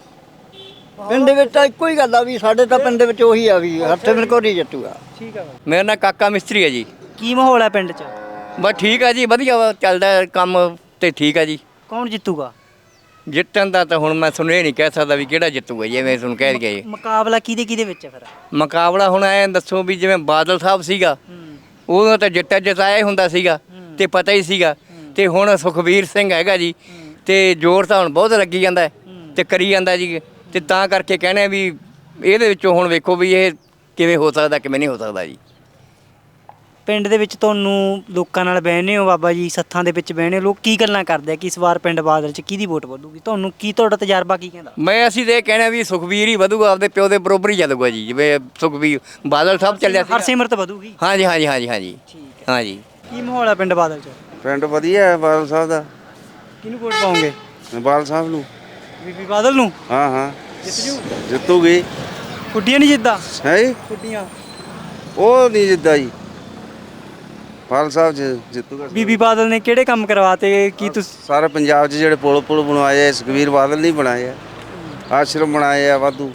ਪਿੰਡ ਦੇ ਵਿੱਚ ਤਾਂ ਇੱਕੋ ਹੀ ਗੱਲ ਆ ਵੀ ਸਾਡੇ ਤਾਂ ਪਿੰਡ ਦੇ ਵਿੱਚ ਉਹੀ ਆ ਵੀ ਹਰਸਿਮਰਤ ਕੌਰ ਹੀ ਜਿੱਤੂਗਾ।
ਠੀਕ ਹੈ।
ਮੇਰਾ ਨਾਂ ਕਾਕਾ ਮਿਸਤਰੀ ਹੈ ਜੀ।
ਕੀ ਮਾਹੌਲ ਹੈ ਪਿੰਡ 'ਚ?
ਬਸ ਠੀਕ ਆ ਜੀ, ਵਧੀਆ ਵਾ, ਚੱਲਦਾ ਕੰਮ ਤੇ ਠੀਕ ਆ ਜੀ।
ਕੌਣ ਜਿੱਤੂਗਾ?
ਜਿੱਤਣ ਦਾ ਤਾਂ ਹੁਣ ਮੈਂ ਤੁਹਾਨੂੰ ਇਹ ਨਹੀਂ ਕਹਿ ਸਕਦਾ ਵੀ ਕਿਹੜਾ ਜਿੱਤੂਗਾ, ਜਿਵੇਂ ਤੁਹਾਨੂੰ ਕਹਿ ਗਿਆ ਜੀ।
ਮੁਕਾਬਲਾ ਕਿਹਦੇ ਵਿੱਚ ਹੈ ਫਿਰ?
ਮੁਕਾਬਲਾ ਹੁਣ ਐਂ ਦੱਸੋ ਵੀ ਜਿਵੇਂ ਬਾਦਲ ਸਾਹਿਬ ਸੀਗਾ ਉਦੋਂ ਤਾਂ ਜਿਤਾਇਆ ਹੀ ਹੁੰਦਾ ਸੀਗਾ ਤੇ ਪਤਾ ਹੀ ਸੀਗਾ, ਤੇ ਹੁਣ ਸੁਖਬੀਰ ਸਿੰਘ ਹੈਗਾ ਜੀ ਤੇ ਜ਼ੋਰ ਤਾਂ ਹੁਣ ਬਹੁਤ ਲੱਗੀ ਜਾਂਦਾ ਹੈ ਤੇ ਕਰੀ ਜਾਂਦਾ ਜੀ, ਤੇ ਤਾਂ ਕਰਕੇ ਕਹਿੰਦੇ ਵੀ ਇਹਦੇ ਵਿੱਚੋਂ ਹੁਣ ਵੇਖੋ ਵੀ ਇਹ ਕਿਵੇਂ ਹੋ ਸਕਦਾ ਕਿਵੇਂ ਨਹੀਂ ਹੋ ਸਕਦਾ ਜੀ।
ਪਿੰਡ ਦੇ ਵਿੱਚ ਤੁਹਾਨੂੰ ਲੋਕਾਂ ਨਾਲ ਬਹਿਨੇ ਹੋ ਬਾਬਾ ਜੀ, ਸੱਥਾਂ ਦੇ ਵਿੱਚ ਬਹਿਨੇ ਹੋ, ਲੋਕ ਕੀ ਗੱਲਾਂ ਕਰਦੇ ਆ ਕਿ ਇਸ ਵਾਰ ਪਿੰਡ ਬਾਦਲ 'ਚ ਕਿਹਦੀ ਵੋਟ ਵਧੂਗੀ? ਤੁਹਾਨੂੰ ਕੀ, ਤੁਹਾਡਾ ਤਜਰਬਾ ਕੀ ਕਹਿੰਦਾ?
ਅਸੀਂ ਤੇ ਇਹ ਕਹਿਣਾ ਵੀ ਸੁਖਬੀਰ ਹੀ ਵਧੂਗਾ, ਆਪਦੇ ਪਿਓ ਦੇ ਬਰੋਬਰ ਹੀ ਜਾਦੂਗਾ ਜੀ, ਜਿਵੇਂ ਸੁਖਬੀਰ ਬਾਦਲ ਸਾਹਿਬ ਚੱਲਿਆ ਸੀ।
ਹਰਸਿਮਰਤ ਵਧੂਗੀ?
ਹਾਂਜੀ ਹਾਂਜੀ ਹਾਂਜੀ ਹਾਂਜੀ
ਠੀਕ
ਹਾਂਜੀ।
ਕੀ ਮਾਹੌਲ ਹੈ ਪਿੰਡ ਬਾਦਲ 'ਚ?
ਪਿੰਡ ਵਧੀਆ ਹੈ ਬਾਦਲ ਸਾਹਿਬ ਦਾ।
ਕਿਹਨੂੰ ਵੋਟ ਪਾਉਂਗੇ?
ਬਾਦਲ ਸਾਹਿਬ ਨੂੰ।
ਬੀਬੀ ਬਾਦਲ ਨੂੰ?
ਹਾਂ ਹਾਂ
ਜਿੱਤ ਜੂ?
ਜਿੱਤੂਗੀ।
ਖੁੱਡੀਆਂ ਨਹੀਂ ਜਿੱਦਾਂ?
ਹੈ
ਖੁੱਡੀਆਂ
ਉਹ ਨਹੀਂ ਜਿੱਦਾਂ ਜੀ, ਬਾਦਲ ਸਾਹਿਬ ਜਿੱਤੂਗਾ।
ਬੀਬੀ ਬਾਦਲ ਨੇ ਕਿਹੜੇ ਕੰਮ ਕਰਵਾਤੇ? ਕੀ ਤੁਸੀਂ
ਸਾਰੇ ਪੰਜਾਬ 'ਚ ਜਿਹੜੇ ਪੁਲ ਬਣਵਾਏ ਆ ਸੁਖਬੀਰ ਬਾਦਲ ਨਹੀਂ ਬਣਾਏ ਆ। ਆਸ਼ਰਮ ਬਣਾਏ ਆ ਵਾਧੂ,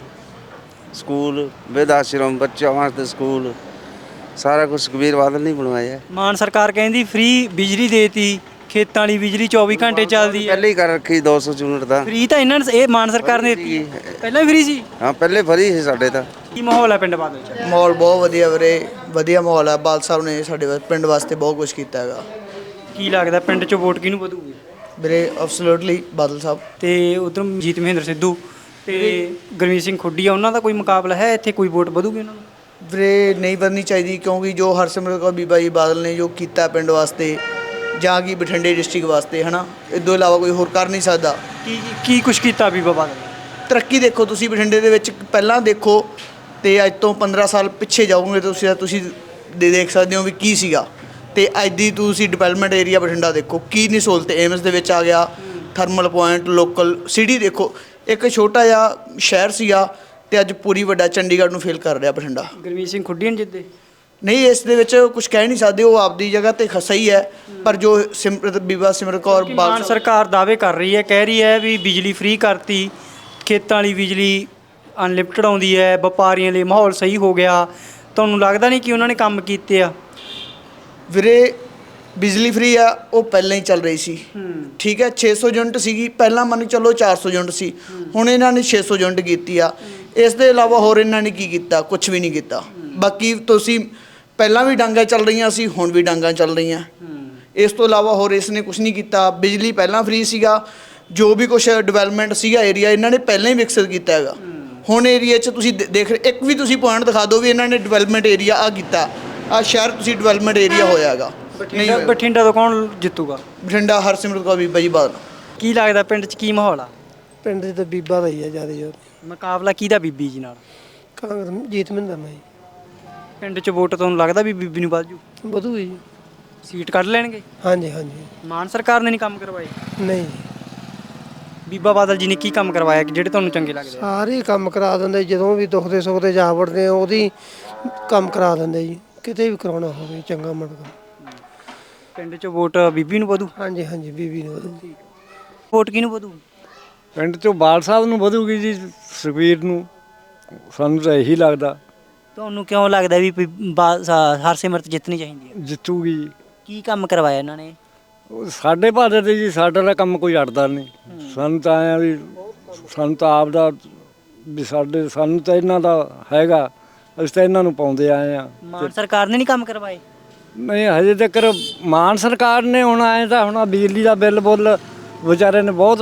ਸਕੂਲ ਬਿਰਧ ਆਸ਼ਰਮ, ਬੱਚਿਆਂ ਵਾਸਤੇ ਸਕੂਲ, ਸਾਰਾ ਕੁਝ ਸੁਖਬੀਰ ਬਾਦਲ ਨਹੀਂ ਬਣਵਾਇਆ।
ਮਾਨ ਸਰਕਾਰ ਕਹਿੰਦੀ ਫ੍ਰੀ ਬਿਜਲੀ ਦੇਤੀ, ਖੇਤਾਂ ਵਾਲੀ ਬਿਜਲੀ 24 ਘੰਟੇ ਚੱਲਦੀ ਹੈ।
ਪਹਿਲੇ ਹੀ ਕਰ ਰੱਖੀ 200 ਯੂਨਿਟ ਦਾ।
ਫ੍ਰੀ ਤਾਂ ਇਹਨਾਂ ਨੇ, ਇਹ ਮਾਨ ਸਰਕਾਰ ਨੇ ਦਿੱਤੀ ਹੈ। ਪਹਿਲਾਂ ਵੀ ਫ੍ਰੀ ਸੀ?
ਹਾਂ ਪਹਿਲੇ ਫਰੀ ਸੀ ਸਾਡੇ ਤਾਂ।
ਕੀ ਮਾਹੌਲ ਹੈ ਪਿੰਡ ਬਾਦਲ 'ਚ?
ਮਾਹੌਲ ਬਹੁਤ ਵਧੀਆ ਵੀਰੇ, ਵਧੀਆ ਮਾਹੌਲ ਹੈ। ਬਾਦਲ ਸਾਹਿਬ ਨੇ ਸਾਡੇ ਪਿੰਡ ਵਾਸਤੇ ਬਹੁਤ ਕੁਝ ਕੀਤਾ ਹੈਗਾ।
ਕੀ ਲੱਗਦਾ ਪਿੰਡ 'ਚ ਵੋਟ ਕਿਹਨੂੰ ਵਧੂਗੀ?
ਵੀਰੇ ਐਬਸੋਲੂਟਲੀ ਬਾਦਲ ਸਾਹਿਬ।
ਤੇ ਉਧਰ ਜੀਤ ਮਹਿੰਦਰ ਸਿੱਧੂ ਤੇ ਗੁਰਮੀਤ ਸਿੰਘ ਖੁੱਡੀਆ, ਉਹਨਾਂ ਦਾ ਕੋਈ ਮੁਕਾਬਲਾ ਹੈ ਇੱਥੇ? ਕੋਈ ਵੋਟ ਵਧੂਗੀ ਉਹਨਾਂ ਨੂੰ?
ਵੀਰੇ ਨਹੀਂ ਵਧਣੀ ਚਾਹੀਦੀ, ਕਿਉਂਕਿ ਜੋ ਹਰਸਿਮਰਤ ਕੌਰ ਬੀਬਾ ਜੀ ਬਾਦਲ ਨੇ ਜੋ ਕੀਤਾ ਪਿੰਡ ਵਾਸਤੇ ਜਾਂ ਕਿ ਬਠਿੰਡੇ ਡਿਸਟ੍ਰਿਕਟ ਵਾਸਤੇ, ਹੈ ਨਾ, ਇਸ ਤੋਂ ਇਲਾਵਾ ਕੋਈ ਹੋਰ ਕਰ ਨਹੀਂ ਸਕਦਾ।
ਕੀ ਕੁਛ ਕੀਤਾ ਬੀਬਾ ਬਾਦਲ?
ਤਰੱਕੀ ਦੇਖੋ ਤੁਸੀਂ ਬਠਿੰਡੇ ਦੇ ਵਿੱਚ, ਪਹਿਲਾਂ ਦੇਖੋ ਤੇ ਅੱਜ ਤੋਂ 15 ਸਾਲ ਪਿੱਛੇ ਜਾਓਗੇ ਤੁਸੀਂ ਦੇਖ ਸਕਦੇ ਹੋ ਵੀ ਕੀ ਸੀਗਾ, ਤੇ ਅੱਜ ਦੀ ਤੁਸੀਂ ਡਿਵੈਲਪਮੈਂਟ ਏਰੀਆ ਬਠਿੰਡਾ ਦੇਖੋ ਕੀ ਨਹੀਂ ਸਹੂਲਤ। ਏਮਸ ਦੇ ਵਿੱਚ ਆ ਗਿਆ, ਥਰਮਲ ਪੁਆਇੰਟ, ਲੋਕਲ ਸਿਟੀ ਦੇਖੋ, ਇੱਕ ਛੋਟਾ ਜਿਹਾ ਸ਼ਹਿਰ ਸੀਗਾ ਤੇ ਅੱਜ ਪੂਰੀ ਵੱਡਾ ਚੰਡੀਗੜ੍ਹ ਨੂੰ ਫੇਲ ਕਰ ਰਿਹਾ ਬਠਿੰਡਾ।
ਗੁਰਮੀਤ ਸਿੰਘ ਖੁੱਡੀਆਂ ਜਿੱਦੇ?
ਨਹੀਂ, ਇਸ ਦੇ ਵਿੱਚ ਕੁਝ ਕਹਿ ਨਹੀਂ ਸਕਦੇ, ਉਹ ਆਪਦੀ ਜਗ੍ਹਾ ਤੇ ਸਹੀ ਹੈ, ਪਰ ਜੋ ਬੀਬਾ ਸਿਮਰਤ ਕੌਰ
ਮਾਨ ਸਰਕਾਰ ਦਾਅਵੇ ਕਰ ਰਹੀ ਹੈ, ਕਹਿ ਰਹੀ ਹੈ ਵੀ ਬਿਜਲੀ ਫ੍ਰੀ ਕਰਤੀ, ਖੇਤਾਂ ਵਾਲੀ ਬਿਜਲੀ ਅਨਲਿਮਟਿਡ ਆਉਂਦੀ ਹੈ, ਵਪਾਰੀਆਂ ਲਈ ਮਾਹੌਲ ਸਹੀ ਹੋ ਗਿਆ। ਤੁਹਾਨੂੰ ਲੱਗਦਾ ਨਹੀਂ ਕਿ ਉਹਨਾਂ ਨੇ ਕੰਮ ਕੀਤੇ ਆ?
ਵੀਰੇ ਬਿਜਲੀ ਫ੍ਰੀ ਆ, ਉਹ ਪਹਿਲਾਂ ਹੀ ਚੱਲ ਰਹੀ ਸੀ, ਠੀਕ ਹੈ। 600 ਯੂਨਿਟ ਸੀਗੀ ਪਹਿਲਾਂ, ਮੰਨ ਚਲੋ 400 ਯੂਨਿਟ ਸੀ, ਹੁਣ ਇਹਨਾਂ ਨੇ 600 ਯੂਨਿਟ ਕੀਤੀ ਆ। ਇਸ ਦੇ ਇਲਾਵਾ ਹੋਰ ਇਹਨਾਂ ਨੇ ਕੀ ਕੀਤਾ? ਕੁਝ ਵੀ ਨਹੀਂ ਕੀਤਾ। ਬਾਕੀ ਤੁਸੀਂ ਪਹਿਲਾਂ ਵੀ ਡਾਂਗਾਂ ਚੱਲ ਰਹੀਆਂ ਸੀ, ਹੁਣ ਵੀ ਡਾਂਗਾਂ ਚੱਲ ਰਹੀਆਂ। ਇਸ ਤੋਂ ਇਲਾਵਾ ਹੋਰ ਇਸ ਨੇ ਕੁਝ ਨਹੀਂ ਕੀਤਾ। ਬਿਜਲੀ ਪਹਿਲਾਂ ਫ੍ਰੀ ਸੀਗਾ, ਜੋ ਵੀ ਕੁਝ ਡਿਵੈਲਪਮੈਂਟ ਸੀਗਾ ਏਰੀਆ ਇਹਨਾਂ ਨੇ ਪਹਿਲਾਂ ਹੀ ਵਿਕਸਿਤ ਕੀਤਾ ਹੈਗਾ। ਹੁਣ ਏਰੀਆ 'ਚ ਤੁਸੀਂ ਦੇਖ ਇੱਕ ਵੀ ਤੁਸੀਂ ਪੁਆਇੰਟ ਦਿਖਾ ਦਿਓ ਵੀ ਇਹਨਾਂ ਨੇ ਡਿਵੈਲਪਮੈਂਟ ਏਰੀਆ ਆ ਕੀਤਾ, ਆ ਸ਼ਹਿਰ ਤੁਸੀਂ ਡਿਵੈਲਪਮੈਂਟ ਏਰੀਆ ਹੋਇਆ ਹੈਗਾ।
ਬਠਿੰਡਾ ਤੋਂ ਕੌਣ ਜਿੱਤੂਗਾ?
ਬਠਿੰਡਾ ਹਰਸਿਮਰਤ ਕੌਰ ਬੀਬਾ ਜੀ ਬਾਦਲ।
ਕੀ ਲੱਗਦਾ ਪਿੰਡ 'ਚ ਕੀ ਮਾਹੌਲ ਆ?
ਪਿੰਡ 'ਚ ਤਾਂ ਬੀਬਾ ਦਾ ਹੀ ਆ ਜ਼ਿਆਦਾ ਜੋਰ।
ਮੁਕਾਬਲਾ ਕਿਹਦਾ ਬੀਬੀ ਜੀ ਨਾਲ?
ਕਾਂਗਰਸ ਜੀਤ ਮਹਿੰਦਰ ਨਾਲ ਜੀ।
ਪਿੰਡ 'ਚ ਵੋਟ ਤੁਹਾਨੂੰ ਲੱਗਦਾ ਵੀ ਬੀਬੀ ਨੂੰ ਵੱਧ ਜੂ?
ਵਧੂਗੀ ਜੀ।
ਸੀਟ ਕੱਢ ਲੈਣਗੇ?
ਹਾਂਜੀ ਹਾਂਜੀ।
ਮਾਨ ਸਰਕਾਰ ਨੇ ਨਹੀਂ ਕੰਮ ਕਰਵਾਏ?
ਨਹੀਂ,
ਬੀਬਾ ਬਾਦਲ ਜੀ ਨੇ ਕੀ ਕੰਮ ਕਰਵਾਇਆ ਕਿ ਜਿਹੜੇ ਤੁਹਾਨੂੰ ਚੰਗੇ ਲੱਗਦੇ?
ਸਾਰੇ ਕੰਮ ਕਰਾ ਦਿੰਦੇ, ਜਦੋਂ ਵੀ ਦੁੱਖ ਦੇ ਸੁੱਖ ਦੇ ਜਾ ਵੜਦੇ ਆ ਉਹਦੀ ਕੰਮ ਕਰਾ ਦਿੰਦੇ ਜੀ, ਕਿਤੇ ਵੀ ਕਰਾਉਣਾ ਹੋਵੇ ਚੰਗਾ ਮਾੜਾ।
ਪਿੰਡ 'ਚ ਵੋਟ ਬੀਬੀ ਨੂੰ ਵਧੂ?
ਹਾਂਜੀ ਹਾਂਜੀ, ਬੀਬੀ ਨੂੰ ਵਧੂ।
ਵੋਟ ਕਿਹਨੂੰ ਵਧੂ?
ਪਿੰਡ 'ਚੋਂ ਬਾਲ ਸਾਹਿਬ ਨੂੰ ਵਧੂਗੀ ਜੀ, ਸੁਖਬੀਰ ਨੂੰ, ਸਾਨੂੰ ਤਾਂ ਇਹੀ ਲੱਗਦਾ।
ਤੁਹਾਨੂੰ ਕਿਉਂ ਲੱਗਦਾ ਵੀ ਹਰਸਿਮਰਤ ਜਿੱਤਣੀ ਚਾਹੀਦੀ ਹੈ?
ਜਿੱਤੂਗੀ ਜੀ।
ਕੀ ਕੰਮ ਕਰਵਾਇਆ ਇਹਨਾਂ ਨੇ?
ਉਹ ਸਾਡੇ ਭਾਰਤ ਦੇ ਜੀ, ਸਾਡਾ ਦਾ ਕੰਮ ਕੋਈ ਅੜਦਾ ਨਹੀਂ। ਸਾਨੂੰ ਤਾਂ ਆਇਆ ਵੀ, ਸਾਨੂੰ ਤਾਂ ਆਪ ਦਾ ਵੀ ਸਾਨੂੰ ਤਾਂ ਇਹਨਾਂ ਦਾ ਹੈਗਾ, ਅਸੀਂ ਤਾਂ ਇਹਨਾਂ ਨੂੰ ਪਾਉਂਦੇ ਆਏ ਆ।
ਮਾਨ ਸਰਕਾਰ ਨੇ ਨਹੀਂ ਕੰਮ ਕਰਵਾਏ?
ਨਹੀਂ, ਹਜੇ ਤੱਕ ਮਾਨ ਸਰਕਾਰ ਨੇ ਹੁਣ ਆਏ ਤਾਂ ਹੁਣ ਬਿਜਲੀ ਦਾ ਬਿੱਲ ਬੁੱਲ ਵਿਚਾਰੇ ਨੇ ਬਹੁਤ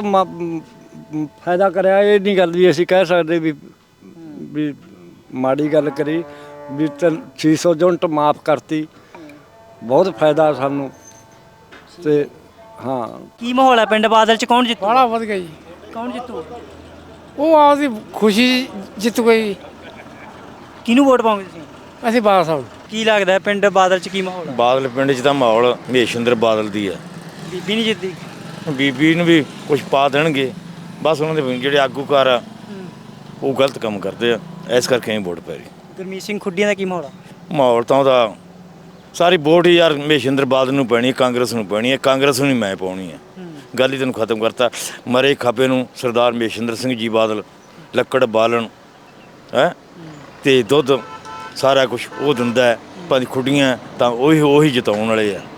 ਫਾਇਦਾ ਕਰਿਆ। ਇਹ ਨਹੀਂ ਗੱਲ ਵੀ ਅਸੀਂ ਕਹਿ ਸਕਦੇ ਵੀ ਮਾੜੀ ਗੱਲ ਕਰੀ, ਵੀ 600 ਯੂਨਿਟ ਮਾਫ ਕਰਤੀ, ਬਹੁਤ ਫਾਇਦਾ ਸਾਨੂੰ। ਤੇ ਹਾਂ,
ਕੀ ਮਾਹੌਲ ਹੈ ਪਿੰਡ ਬਾਦਲ 'ਚ? ਕੌਣ ਜਿੱਤੂ?
ਬੜਾ ਵਧ ਗਿਆ ਜੀ।
ਕੌਣ ਜਿੱਤੂ?
ਉਹ ਆਪਦੀ ਖੁਸ਼ੀ ਜਿੱਤ ਗਈ।
ਕਿਹਨੂੰ ਵੋਟ ਪਾਉਂਗੇ ਤੁਸੀਂ?
ਅਸੀਂ ਬਾਦਲ ਸਾਹਿਬ।
ਕੀ ਲੱਗਦਾ ਪਿੰਡ ਬਾਦਲ 'ਚ ਕੀ ਮਾਹੌਲ ਹੈ?
ਬਾਦਲ ਪਿੰਡ 'ਚ ਤਾਂ ਮਾਹੌਲ ਮਹੇਸ਼ਿੰਦਰ ਬਾਦਲ ਦੀ ਆ।
ਬੀਬੀ ਨਹੀਂ ਜਿੱਤਦੀ?
ਬੀਬੀ ਨੂੰ ਵੀ ਕੁਝ ਪਾ ਦੇਣਗੇ, ਬਸ ਉਹਨਾਂ ਦੇ ਜਿਹੜੇ ਆਗੂਕਾਰ ਆ ਉਹ ਗਲਤ ਕੰਮ ਕਰਦੇ ਆ, ਇਸ ਕਰਕੇ ਵੋਟ ਪੈ ਰਹੀ।
ਗੁਰਮੀਤ ਸਿੰਘ ਖੁੱਡੀਆਂ ਦਾ ਕੀ ਮਾਹੌਲ ਆ?
ਮਾਹੌਲ ਤਾਂ ਉਹਦਾ ਸਾਰੀ ਵੋਟ ਹੀ ਯਾਰ ਮਹੇਸ਼ਿੰਦਰ ਬਾਦਲ ਨੂੰ ਪੈਣੀ, ਕਾਂਗਰਸ ਨੂੰ ਪੈਣੀ ਹੈ। ਕਾਂਗਰਸ ਨੂੰ ਹੀ ਮੈਂ ਪਾਉਣੀ ਹੈ। ਗੱਲ ਹੀ ਤੈਨੂੰ ਖਤਮ ਕਰਤਾ। ਮਰੇ ਖਾਪੇ ਨੂੰ ਸਰਦਾਰ ਮਹੇਸ਼ਿੰਦਰ ਸਿੰਘ ਜੀ ਬਾਦਲ, ਲੱਕੜ ਬਾਲਣ ਹੈ ਤੇ ਦੁੱਧ, ਸਾਰਾ ਕੁਝ ਉਹ ਦਿੰਦਾ ਹੈ। ਪੰਜ ਖੁੱਡੀਆਂ ਤਾਂ ਉਹੀ ਜਿਤਾਉਣ ਵਾਲੇ ਆ।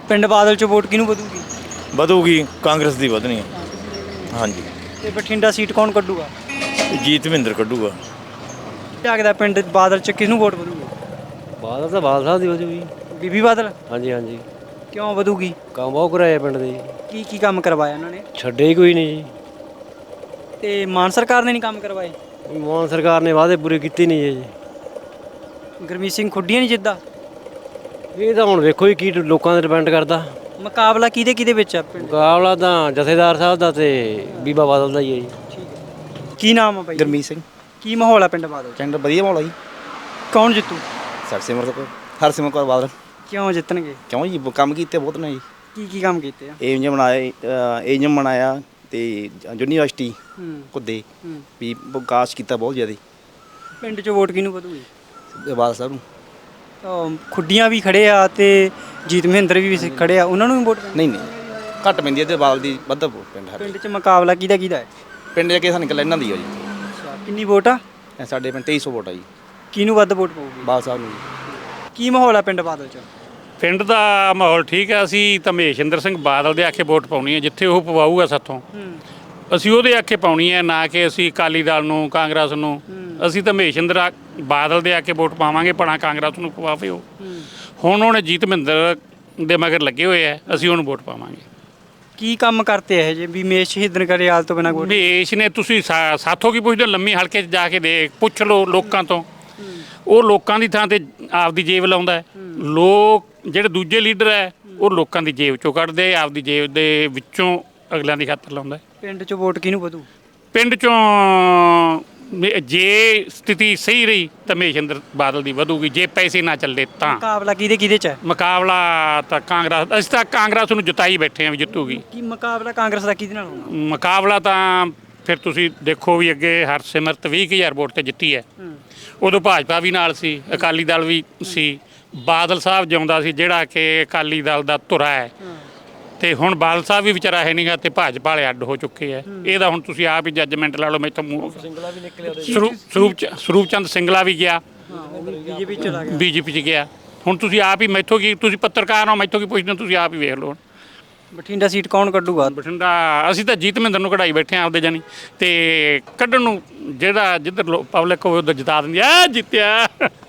ਪਿੰਡ ਬਾਦਲ 'ਚ ਵੋਟ ਕਿਹਨੂੰ ਵਧੂਗੀ?
ਵਧੂਗੀ ਕਾਂਗਰਸ ਦੀ ਵਧਣੀ ਹੈ। ਹਾਂਜੀ।
ਤੇ ਬਠਿੰਡਾ ਸੀਟ ਕੌਣ ਕੱਢੂਗਾ?
ਜੀਤ ਮਹਿੰਦਰ ਕੱਢੂਗਾ।
ਲੱਗਦਾ ਪਿੰਡ ਬਾਦਲ 'ਚ ਕਿਹਨੂੰ ਵੋਟ ਵਧੂਗੀ?
ਬਾਦਲ ਤਾਂ ਬਾਦਲ ਸਾਹਿਬ ਦੀ ਵਧੂਗੀ।
ਬੀਬੀ ਬਾਦਲ?
ਹਾਂਜੀ ਹਾਂਜੀ।
ਕਿਉਂ ਵਧੂਗੀ?
ਕੰਮ ਬਹੁਤ ਕਰਾਇਆ ਪਿੰਡ ਦੇ ਜੀ।
ਕੀ ਕੰਮ ਕਰਵਾਇਆ ਉਹਨਾਂ ਨੇ?
ਛੱਡੇ ਹੀ ਕੋਈ ਨਹੀਂ ਜੀ।
ਤੇ ਮਾਨ ਸਰਕਾਰ ਨੇ ਨਹੀਂ ਕੰਮ ਕਰਵਾਏ?
ਮਾਨ ਸਰਕਾਰ ਨੇ ਵਾਅਦੇ ਪੂਰੇ ਕੀਤੇ ਨਹੀਂ ਜੀ।
ਗੁਰਮੀਤ ਸਿੰਘ ਖੁੱਡੀਆਂ ਨਹੀਂ ਜਿੱਦਾਂ?
ਇਹ ਤਾਂ ਹੁਣ ਵੇਖੋ ਜੀ ਕੀ ਲੋਕਾਂ 'ਤੇ ਡਿਪੈਂਡ ਕਰਦਾ।
ਮੁਕਾਬਲਾ ਕਿਹਦੇ ਵਿੱਚ ਆ ਪਿੰਡ?
ਮੁਕਾਬਲਾ ਤਾਂ ਜਥੇਦਾਰ ਸਾਹਿਬ ਦਾ ਤੇ ਬੀਬਾ ਬਾਦਲ ਦਾ ਹੀ ਹੈ ਜੀ।
ਕੀ ਨਾਮ ਆ ਬਾਈ?
ਗੁਰਮੀਤ ਸਿੰਘ।
ਕੀ ਮਾਹੌਲ ਆ ਪਿੰਡ ਬਾਦਲ 'ਚ?
ਪਿੰਡ ਵਧੀਆ ਮਾਹੌਲ ਆ ਜੀ।
ਕੌਣ ਜਿੱਤੂ?
ਹਰਸਿਮਰਤ ਕੌਰ ਬਾਦਲ।
ਕਿਉਂ ਜਿੱਤਣਗੇ?
ਕਿਉਂ ਜੀ ਕੰਮ ਕੀਤੇ ਬਹੁਤ ਨੇ ਜੀ।
ਕੀ ਕੰਮ ਕੀਤੇ ਆ?
ਏਜਮ ਬਣਾਇਆ ਤੇ ਯੂਨੀਵਰਸਿਟੀ
ਹੂੰ।
ਕੁੱਦੇ
ਹੂੰ।
ਵੀ ਵਿਕਾਸ ਕੀਤਾ ਬਹੁਤ ਜ਼ਿਆਦਾ।
ਪਿੰਡ 'ਚ ਵੋਟ ਕਿਹਨੂੰ ਵਧੂਗੀ?
ਬਾਦਲ ਸਾਹਿਬ ਨੂੰ।
ਖੁੱਡੀਆਂ ਵੀ ਖੜੇ ਆ ਤੇ ਜੀਤ ਮਹਿੰਦਰ ਵੀ ਖੜੇ ਆ, ਉਹਨਾਂ ਨੂੰ ਵੀ ਵੋਟ ਪੈਣੀ?
ਨਹੀਂ ਘੱਟ ਪੈਂਦੀ ਹੈ ਤੇ ਬਾਦਲ ਦੀ ਵੱਧ ਪਿੰਡ ਸਾਡੇ।
ਪਿੰਡ 'ਚ ਮੁਕਾਬਲਾ ਕਿਹਦਾ ਹੈ?
ਪਿੰਡ ਜਾ ਕੇ ਸਾਨੂੰ ਨਿਕਲ ਇਹਨਾਂ ਦੀ ਆ ਜੀ।
ਅੱਛਾ, ਕਿੰਨੀ ਵੋਟ ਆ?
ਸਾਡੇ ਪਿੰਡ 2300 ਵੋਟ ਆ ਜੀ।
ਕਿਹਨੂੰ ਵੱਧ ਵੋਟ ਪਊਗੀ?
ਬਾਦਲ ਸਾਹਿਬ ਨੂੰ ਜੀ।
ਕੀ ਮਾਹੌਲ ਆ ਪਿੰਡ ਬਾਦਲ 'ਚ?
ਪਿੰਡ ਦਾ ਮਾਹੌਲ ਠੀਕ ਹੈ। ਅਸੀਂ ਤਾਂ ਮਹੇਸ਼ਿੰਦਰ ਸਿੰਘ ਬਾਦਲ ਦੇ ਆਖੇ ਵੋਟ ਪਾਉਣੀ ਹੈ, ਜਿੱਥੇ ਉਹ ਪਵਾਊਗਾ ਸਾਥੋਂ ਅਸੀਂ ਉਹਦੇ ਆਖੇ ਪਾਉਣੀ ਹੈ, ਨਾ ਕਿ ਅਸੀਂ ਅਕਾਲੀ ਦਲ ਨੂੰ, ਕਾਂਗਰਸ ਨੂੰ। ਅਸੀਂ ਤਾਂ ਮਹੇਸ਼ਿੰਦਰ ਬਾਦਲ ਦੇ ਆਖੇ ਵੋਟ ਪਾਵਾਂਗੇ, ਭਲਾ ਕਾਂਗਰਸ ਨੂੰ ਪਵਾਵੇ ਉਹ। ਹੁਣ ਉਹਨੇ ਜੀਤ ਮਹਿੰਦਰ ਦੇ ਮਗਰ ਲੱਗੇ ਹੋਏ ਆ, ਅਸੀਂ ਉਹਨੂੰ ਵੋਟ ਪਾਵਾਂਗੇ।
ਕੀ ਕੰਮ ਕਰਤੇ ਇਹ ਜੇ ਵੀ ਮੇਸ਼ ਸ਼ਹੀਦਨ ਕਰਿਆਲ ਤੋਂ ਬਿਨਾਂ ਵੋਟ?
ਮਹੇਸ਼ ਨੇ ਤੁਸੀਂ ਸਾਥੋਂ ਕੀ ਪੁੱਛਦੇ ਹੋ? ਲੰਮੀ ਹਲਕੇ 'ਚ ਜਾ ਕੇ ਪੁੱਛ ਲਓ ਲੋਕਾਂ ਤੋਂ। ਉਹ ਲੋਕਾਂ ਦੀ ਥਾਂ ਤੇ ਆਪਦੀ ਜੇਬ ਲਾਉਂਦਾ ਹੈ। ਲੋਕ ਜਿਹੜੇ ਦੂਜੇ ਲੀਡਰ ਹੈ ਉਹ ਲੋਕਾਂ ਦੀ ਜੇਬ ਚੋਂ ਕੱਢਦੇ, ਆਪਦੀ ਜੇਬ ਦੇ ਵਿੱਚੋਂ ਅਗਲਿਆਂ ਦੀ ਖਾਤਰ ਲਾਉਂਦਾ।
ਪਿੰਡ 'ਚ ਵੋਟ ਕਿਹਨੂੰ ਵਧੂ?
ਪਿੰਡ 'ਚੋਂ ਜੇ ਸਥਿਤੀ ਸਹੀ ਰਹੀ ਤਾਂ ਮਹੇਸ਼ਿੰਦਰ ਬਾਦਲ ਦੀ ਵਧੂਗੀ, ਜੇ ਪੈਸੇ ਨਾ ਚੱਲੇ ਤਾਂ।
ਮੁਕਾਬਲਾ ਕਿਹਦੇ 'ਚ ਹੈ?
ਮੁਕਾਬਲਾ ਤਾਂ ਕਾਂਗਰਸ, ਅਸੀਂ ਤਾਂ ਕਾਂਗਰਸ ਨੂੰ ਜਿਤਾਈ ਬੈਠੇ ਹਾਂ ਵੀ ਜਿੱਤੂਗੀ।
ਕੀ ਮੁਕਾਬਲਾ ਕਾਂਗਰਸ ਦਾ ਕਿਹਦੇ ਨਾਲ ਹੋਣਾ?
ਮੁਕਾਬਲਾ ਤਾਂ ਫਿਰ ਤੁਸੀਂ ਦੇਖੋ ਵੀ ਅੱਗੇ ਹਰਸਿਮਰਤ 20,000 ਵੋਟ ਤੇ ਜਿੱਤੀ ਹੈ। ਉਦੋਂ ਭਾਜਪਾ ਵੀ ਨਾਲ ਸੀ, ਅਕਾਲੀ ਦਲ ਵੀ ਸੀ। ਬਾਦਲ ਸਾਹਿਬ ਜਿਉਂਦਾ ਸੀ ਜਿਹੜਾ ਕਿ ਅਕਾਲੀ ਦਲ ਦਾ ਧੁਰਾ ਹੈ, ਤੇ ਹੁਣ ਬਾਦਲ ਸਾਹਿਬ ਵੀ ਵਿਚਾਰਾ ਹੈ ਨਹੀਂਗਾ ਤੇ ਭਾਜਪਾ ਵਾਲੇ ਅੱਡ ਹੋ ਚੁੱਕੇ ਆ। ਇਹਦਾ ਹੁਣ ਤੁਸੀਂ ਆਪ ਹੀ ਜੱਜਮੈਂਟ ਲਾ ਲਓ। ਮੈਥੋਂ ਸਰੂਪ ਚੰਦ ਸਿੰਗਲਾ ਵੀ ਗਿਆ, ਬੀਜੇਪੀ 'ਚ ਗਿਆ। ਹੁਣ ਤੁਸੀਂ ਆਪ ਹੀ ਮੈਥੋਂ ਕੀ, ਤੁਸੀਂ ਪੱਤਰਕਾਰ ਹੋ, ਮੈਥੋਂ ਕੀ ਪੁੱਛਦੇ ਹੋ? ਤੁਸੀਂ ਆਪ ਹੀ ਵੇਖ ਲਓ।
ਬਠਿੰਡਾ ਸੀਟ ਕੌਣ ਕੱਢੂਗਾ?
ਬਠਿੰਡਾ ਅਸੀਂ ਤਾਂ ਜੀਤ ਮਹਿੰਦਰ ਨੂੰ ਕਢਾਈ ਬੈਠੇ ਆ ਆਪਦੇ ਜਾਨੀ, ਤੇ ਕੱਢਣ ਨੂੰ ਜਿਹੜਾ ਜਿੱਧਰ ਪਬਲਿਕ ਹੋਵੇ ਉਧਰ ਜਿਤਾ ਦਿੰਦੀ ਆ। ਜਿੱਤਿਆ